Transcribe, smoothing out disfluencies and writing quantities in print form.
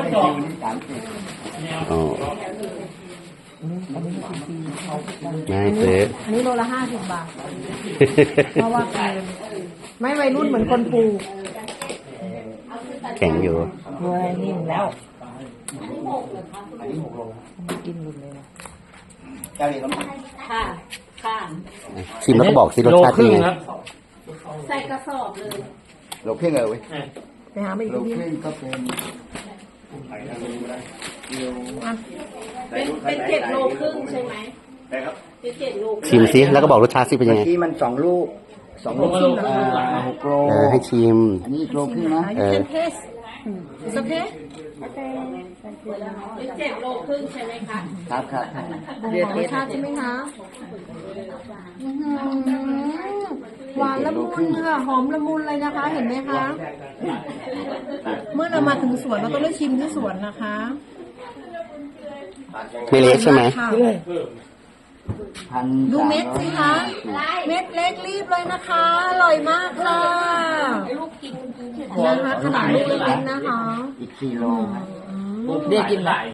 อ๋อง่ายซื้ออันนี้โลละ50 บาท เพราะว่าไม่วัยรุ่นเหมือนคนปลูกแข็งอยู่เว้ยนิ่มแล้วกินหมดเลยนะค่ะค่ะชิมแล้วก็บอกสิรสชาติเป็นยังไงใส่กระสอบเลยโลครึ่งเลยเว้ยไปหาไม่โลดีครึ่งก็เป็นเป็น7 โลครึ่งใช่ไหมเป็น7 โลครึ่งชิมสิแล้วก็บอกรสชาติสิเป็นยัเมื่งอไงกี้มัน2 ลูก6 โลให้ชิมอันนี้โลครึ่งนะเออเทสโอเคเป็น7 โลครึ่งใช่ไหมคะครับครับของรสชาติใช่ไหมคะหวานละมุนค่ะหอมละมุนเลยนะคะ เห็นไหมคะ เมื่อเรามาถึงสวนเราก็ได้ชิมที่สวนนะคะไม่เละใช่ไหมดูเม็ดสิคะ เม็ดเล็กรีบเลยนะคะ อร่อยมากค่ะนะคะขนาดลูกเล็กๆนะคะอีก4 โลเรียกกินไหล